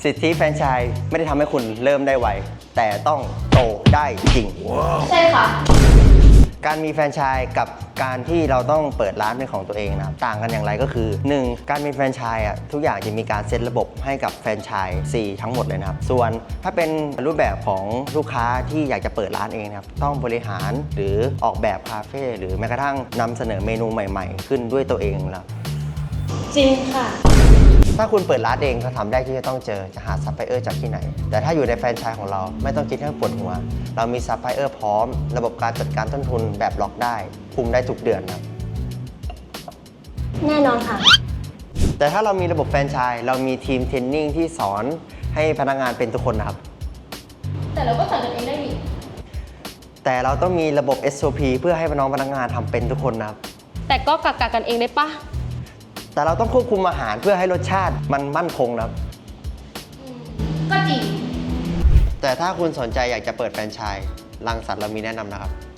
สิทธิแฟรนไชส์ไม่ได้ทำให้คุณเริ่มได้ไวแต่ต้องโตได้จริงใช่ค่ะการมีแฟรนไชส์กับการที่เราต้องเปิดร้านเป็นของตัวเองนะครับต่างกันอย่างไรก็คือ 1. การมีแฟรนไชส์ทุกอย่างจะมีการเซตระบบให้กับแฟรนไชส์ทั้งหมดเลยนะครับส่วนถ้าเป็นรูปแบบของลูกค้าที่อยากจะเปิดร้านเองนะครับต้องบริหารหรือออกแบบคาเฟ่หรือแม้กระทั่งนำเสนอเมนูใหม่ๆ ขึ้นด้วยตัวเองแล้วจริงค่ะถ้าคุณเปิดร้านเองคำถามแรกที่จะต้องเจอจะหาซัพพลายเออร์จากที่ไหนแต่ถ้าอยู่ในแฟรนไชส์ของเราไม่ต้องคิดให้ปวดหัวเรามีซัพพลายเออร์พร้อมระบบการจัดการต้นทุนแบบล็อกได้คุมได้ทุกเดือนครับแน่นอนค่ะแต่ถ้าเรามีระบบแฟรนไชส์เรามีทีมเทรนนิ่งที่สอนให้พนักงานเป็นทุกคนนะครับแต่เราก็สอนกันเองได้ดิแต่เราต้องมีระบบ SOP เพื่อให้น้องพนักงานทำเป็นทุกคนนะครับแต่ก็กักกันเองได้ปะแต่เราต้องควบคุมอาหารเพื่อให้รสชาติมันมั่นคงนะครับก็จริงแต่ถ้าคุณสนใจอยากจะเปิดแฟรนไชส์รังสรรค์เรามีแนะนำนะครับ